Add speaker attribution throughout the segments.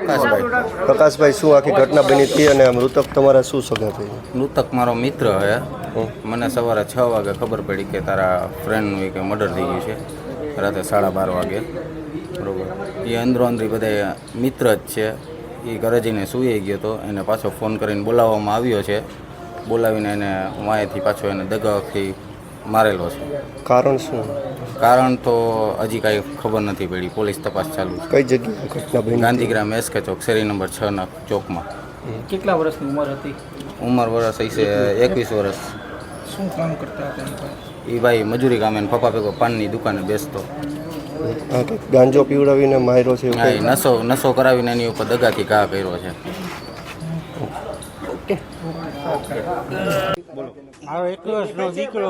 Speaker 1: પ્રકાશભાઈ, શું આખી ઘટના બની હતી અને મૃતક તમારા શું સગા થઈ?
Speaker 2: મૃતક મારો મિત્ર હે. મને સવારે 6 વાગે ખબર પડી કે તારા ફ્રેન્ડનું કે મર્ડર થઈ ગયું છે, રાતે 12:30 વાગે. બરાબર. એ અંદરો અંદરી બધા મિત્ર જ છે. એ ઘરે જઈને સૂઈ ગયો હતો. એને પાછો ફોન કરીને બોલાવવામાં આવ્યો છે. બોલાવીને એને વાંયથી પાછો એને દગાથી મારેલો છે.
Speaker 1: કારણ શું?
Speaker 2: કારણ તો હજી કાંઈ ખબર નથી પડી. પોલીસ તપાસ ચાલુ છે.
Speaker 1: કઈ જગ્યાએ ઘટના બની?
Speaker 2: ગાંધીગ્રામ એસકે ચોક, શેરી નંબર 6 ના ચોકમાં.
Speaker 3: કેટલા વર્ષની ઉંમર હતી?
Speaker 2: ઉંમર વર્ષ હશે 21 વર્ષ.
Speaker 3: શું કામ કરતા હતા?
Speaker 2: એ ભાઈ મજૂરી કામે ને પપ્પા ભેગો પાનની દુકાને બેસતો.
Speaker 1: ગાંજો પીવડાવીને માર્યો છે?
Speaker 2: હા, એ નશો કરાવીને એની ઉપર દગાથી ઘા કર્યો છે.
Speaker 4: મારો 21 વર્ષનો દીકરો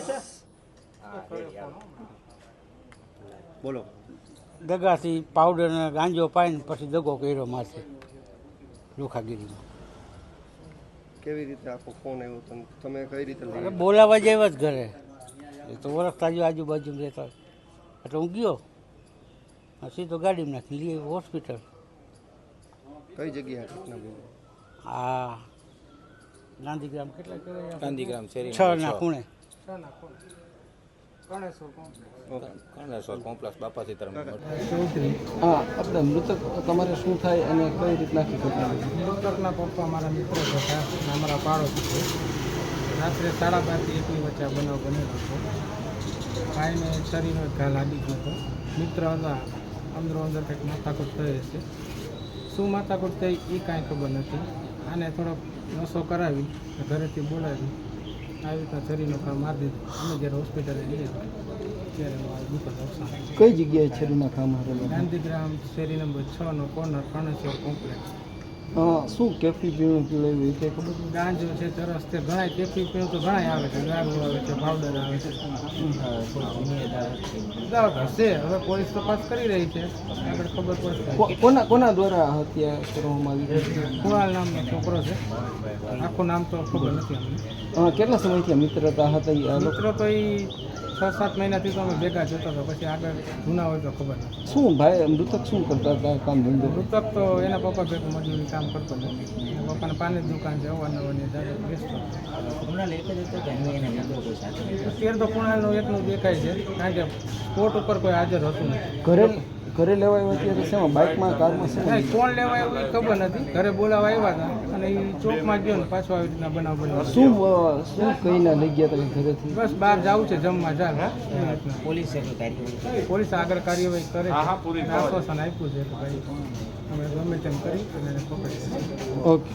Speaker 1: બોલો.
Speaker 4: દગાથી પાવડર અને ગાંજો પાઈને પછી દગો કર્યો મારથી લોખાગીરીમાં.
Speaker 1: કેવી રીતે આખો ફોન આવ્યો હતો? તમે કઈ રીતે લઈ?
Speaker 4: બોલાવા જ આવ્યા જ ઘરે. એ તો ઓળખતા જ આજુબાજુ રહેતા એટલે હું ગયો સીધો ગાડીમાં નાખી લઈ હોસ્પિટલ.
Speaker 1: કઈ જગ્યાએ ઘટના બની?
Speaker 4: આ ગાંધીગ્રામ કેટલા કહેવાય?
Speaker 2: ગાંધીગ્રામ શેરી
Speaker 4: 6 ના ખૂણે.
Speaker 2: કર્ણેશ્વર કોમ્પ્લેક્સ બાપા સીતારામ.
Speaker 3: હા, આપણે મૃતક તમારે શું થાય અને કઈ રીતના ઘટના?
Speaker 5: મૃતકના પપ્પા મારા મિત્રો હતા અને અમારા પાડોશી છે. રાત્રે 12:30 થી 1ની વચ્ચે આ બનાવ બનેલો હતો. ભાઈને શરીરનો ઘા લાગી ગયો હતો. મિત્ર હતા, અંદરો અંદર કંઈક માથાકૂટ થઈ હશે. શું માથાકૂટ થઈ એ કાંઈ ખબર નથી. આને થોડોક નશો કરાવી ઘરેથી બોલાવી આવી રીતના શરીરનો ઘા મારી દીધો. અમે જ્યારે હોસ્પિટલે ગયા ત્યારે આ દુઃખદ અવસાન.
Speaker 3: કઈ જગ્યાએ છરીના ઘા મારેલા?
Speaker 5: ગાંધીગ્રામ શેરી નંબર 6 નો કોર્નર કર્ણેશ્વર કોમ્પ્લેક્સ.
Speaker 3: શું કેફી પીણું પીવડાવ્યું એ કંઈ ખબર?
Speaker 5: ગાંજો છે, ચરસ છે, ઘણા કેફી પીણું તો ઘણા આવે છે. દારૂ આવે છે, પાવડર આવે છે. હશે, હવે પોલીસ તપાસ કરી રહી છે, આગળ ખબર પડશે.
Speaker 3: કોના દ્વારા હત્યા કરવામાં આવી?
Speaker 5: કુણાલ નામનો છોકરો છે. આખું નામ તો ખબર નથી અમને.
Speaker 3: કેટલા સમયથી મિત્રતા હતા?
Speaker 5: મિત્રો તો એ 6-7 મહિનાથી તો અમે ભેગા જતો હતો. પછી આગળ જૂના હોય તો ખબર નથી.
Speaker 3: શું ભાઈ મૃતક શું કરતા હતા કામ ધંધો?
Speaker 5: મૃતક તો એના પપ્પા ભેગું મજૂરી કામ કરતો નથી. એના પપ્પાને પાની દુકાન છે, અવારનવારની દાદા બેસતો. અત્યારે તો કુણાલનું એકનું દેખાય છે, કારણ કે કોર્ટ ઉપર કોઈ હાજર હતું નથી.
Speaker 3: ઘરે લેવા આવ્યા ત્યારે શેમાં? બાઇકમાં, કારમાં?
Speaker 5: નહીં, કોણ લેવા આવ્યું એ ખબર નથી. ઘરે બોલાવા આવ્યા હતા અને એ ચોકમાં ગયો ને પાછો આવી રીતના બનાવ બન્યો.
Speaker 3: શું કહીને લઈ ગયા તમે ઘરેથી?
Speaker 5: બસ બહાર જવું છે જમવા, ચાલ. પોલીસ આગળ કાર્યવાહી કરે છે. આશ્વાસન આપ્યું છે કે ભાઈ અમે ગમે તેમ કરી અને એને પકડી.
Speaker 3: ઓકે.